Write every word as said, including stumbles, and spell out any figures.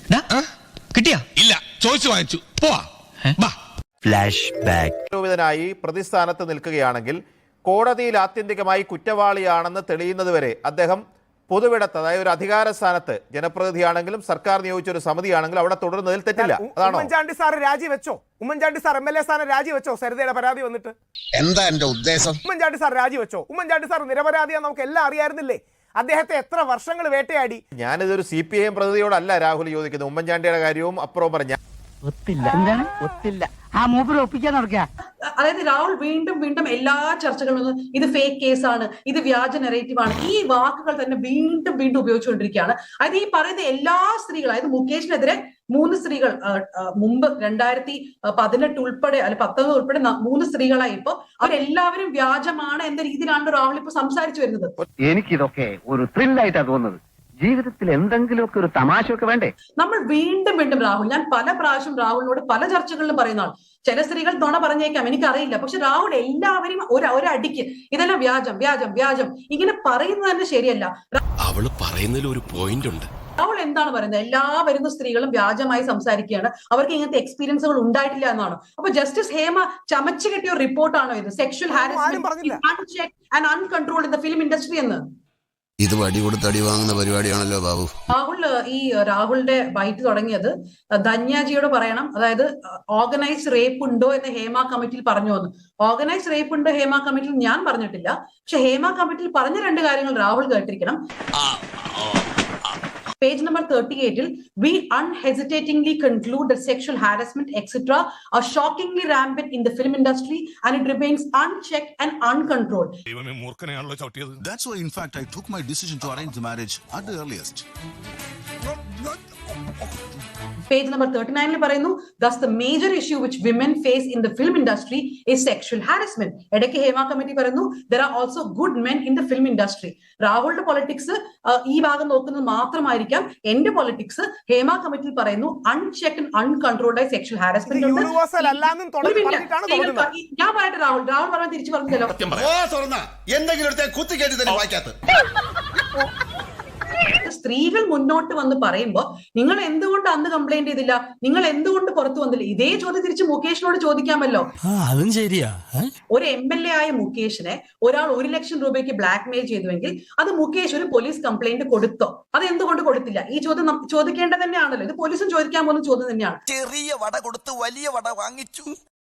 കിട്ടിയാ ഇല്ല, ചോദിച്ചു വാങ്ങിച്ചു പോവാ. Flash back. ആരോപിതനായി പ്രതിസ്ഥാനത്ത് നിൽക്കുകയാണെങ്കിൽ കോടതിയിൽ ആത്യന്തികമായി കുറ്റവാളിയാണെന്ന് തെളിയുന്നതുവരെ അദ്ദേഹം പൊതുവിടത്ത്, അതായത് ഒരു അധികാര സ്ഥാനത്ത് ജനപ്രതിനിധിയാണെങ്കിലും സർക്കാർ നിയോഗിച്ച ഒരു സമിതിയാണെങ്കിലും അവിടെ തുടരുന്നതിൽ തെറ്റില്ല. അതാണോ? ഉമ്മൻചാണ്ടി സാർ രാജിവെച്ചോ? Oommen Chandy sir M L A സ്ഥാനം രാജിവെച്ചോ? സരിതയുടെ പരാതി വന്നിട്ട് എന്താ എന്റെ ഉദ്ദേശം? ഉമ്മൻചാണ്ടി സാർ രാജിവെച്ചോ? ഉമ്മൻചാണ്ടി സാർ നിരപരാധിയാന്ന് നമുക്ക് എല്ലാം അറിയായിരുന്നില്ലേ? അദ്ദേഹത്തെ എത്ര വർഷങ്ങൾ വേട്ടയാടി. ഞാനിതൊരു സി പി ഐ എം പ്രതിനിധിയോടല്ല രാഹുൽ ചോദിക്കുന്നത്, ഉമ്മൻചാണ്ടിയുടെ കാര്യവും അപ്പുറവും പറഞ്ഞ ഒത്തില്ല. എന്താണ് ഒത്തില്ല? ആ മൂപ്പര് ഒപ്പിക്കാൻ നടക്കുക. അതായത് രാഹുൽ വീണ്ടും വീണ്ടും എല്ലാ ചർച്ചകളിലും ഇത് ഫേക്ക് കേസാണ്, ഇത് വ്യാജ നെറേറ്റീവ് ആണ്, ഈ വാക്കുകൾ തന്നെ വീണ്ടും വീണ്ടും ഉപയോഗിച്ചുകൊണ്ടിരിക്കുകയാണ്. അതായത് ഈ പറയുന്ന എല്ലാ സ്ത്രീകളും, അതായത് മുകേഷിനെതിരെ മൂന്ന് സ്ത്രീകൾ മുമ്പ് രണ്ടായിരത്തി പതിനെട്ട് ഉൾപ്പെടെ അല്ലെ പത്തൊമ്പത് ഉൾപ്പെടെ മൂന്ന് സ്ത്രീകളായി ഇപ്പൊ അവരെല്ലാവരും വ്യാജമാണ് എന്ന രീതിയിലാണ് രാഹുൽ ഇപ്പൊ സംസാരിച്ചു വരുന്നത്. എനിക്കിതൊക്കെ ഒരു ത്രില്ലായിട്ടാ തോന്നുന്നത്. ജീവിതത്തിൽ എന്തെങ്കിലുമൊക്കെ ഒരു തമാശയൊക്കെ വേണ്ടേ? നമ്മൾ വീണ്ടും വീണ്ടും രാഹുൽ, ഞാൻ പല പ്രാവശ്യം രാഹുലിനോട് പല ചർച്ചകളിലും പറയുന്നതാണ്, ചില സ്ത്രീകൾ നുണ പറഞ്ഞേക്കാം, എനിക്കറിയില്ല, പക്ഷെ രാഹുൽ എല്ലാവരും ഒരു ഒരടിക്ക് ഇതെല്ലാം വ്യാജം വ്യാജം വ്യാജം ഇങ്ങനെ പറയുന്നത് തന്നെ ശരിയല്ല. അവള് പറയുന്നതിൽ ഒരു പോയിന്റ് ഉണ്ട്. രാഹുൽ എന്താണ് പറയുന്നത്? എല്ലാ വരുന്ന സ്ത്രീകളും വ്യാജമായി സംസാരിക്കുകയാണ്, അവർക്ക് ഇങ്ങനത്തെ എക്സ്പീരിയൻസുകൾ ഉണ്ടായിട്ടില്ല എന്നാണ്. അപ്പൊ ജസ്റ്റിസ് ഹേമ ചമച്ചു കെട്ടിയ ഒരു റിപ്പോർട്ടാണോ ഇത്? Sexual harassment and uncontrolled in the film industry എന്ന്. ഇത് വടി കൊടുത്ത് അടി വാങ്ങുന്ന പരിപാടിയാണല്ലോ ബാബു. രാഹുൽ ഈ രാഹുലിന്റെ ബൈറ്റ് തുടങ്ങിയത് ധന്യാജിയോട് പറയണം, അതായത് ഓർഗനൈസ്ഡ് റേപ്പ് ഉണ്ടോ എന്ന് ഹേമ കമ്മിറ്റിയിൽ പറഞ്ഞു വന്നു. ഓർഗനൈസ്ഡ് റേപ്പ് ഉണ്ട് ഹേമ കമ്മിറ്റിയിൽ ഞാൻ പറഞ്ഞിട്ടില്ല, പക്ഷെ ഹേമ കമ്മിറ്റിയിൽ പറഞ്ഞ രണ്ട് കാര്യങ്ങൾ Rahul കേട്ടിരിക്കണം. Page number thirty-eight, we unhesitatingly conclude that sexual harassment, et cetera are shockingly rampant in the film industry and it remains unchecked and uncontrolled. That's why, in fact, I took my decision to arrange the marriage at the earliest. Page number thirty-nine പറയുന്നു, thus the major issue which women face in the film industry is sexual harassment. ഇടയ്ക്ക് Hema committee പറയുന്നു there are also good men in the film industry. രാഹുലിന്റെ politics ഈ ഭാഗം നോക്കുന്നത് മാത്രമായിരിക്കാം, എന്റെ politics Hema കമ്മിറ്റിയിൽ പറയുന്നു അൺചെക്ഡ് അൺകൺട്രോൾഡ് ആയി സെക്ഷൽ ഹാരസ്മെന്റ്. ഞാൻ പറയട്ടെ രാഹുൽ, രാഹുൽ പറഞ്ഞാൽ തിരിച്ചു പറഞ്ഞല്ലോ. സ്ത്രീകൾ മുന്നോട്ട് വന്ന് പറയുമ്പോ നിങ്ങൾ എന്തുകൊണ്ട് അന്ന് കംപ്ലൈന്റ് ചെയ്തില്ല, നിങ്ങൾ എന്തുകൊണ്ട് പുറത്തു വന്നില്ല, ഇതേ ചോദ്യം തിരിച്ച് മുകേഷിനോട് ചോദിക്കാമല്ലോ. അതും ശരിയാ. ഒരു എം എൽ എ ആയ മുകേഷിനെ ഒരാൾ ഒരു ലക്ഷം രൂപയ്ക്ക് ബ്ലാക്ക് മെയിൽ ചെയ്തുവെങ്കിൽ അത് മുകേഷ് ഒരു പോലീസ് കംപ്ലൈന്റ് കൊടുത്തോ? അത് എന്തുകൊണ്ട് കൊടുത്തില്ല? ഈ ചോദ്യം ചോദിക്കേണ്ടത് തന്നെയാണല്ലോ. ഇത് പോലീസും ചോദിക്കാൻ പോകുന്ന ചോദ്യം തന്നെയാണ്. ചെറിയ വട കൊടുത്ത് വലിയ വട വാങ്ങിച്ചു.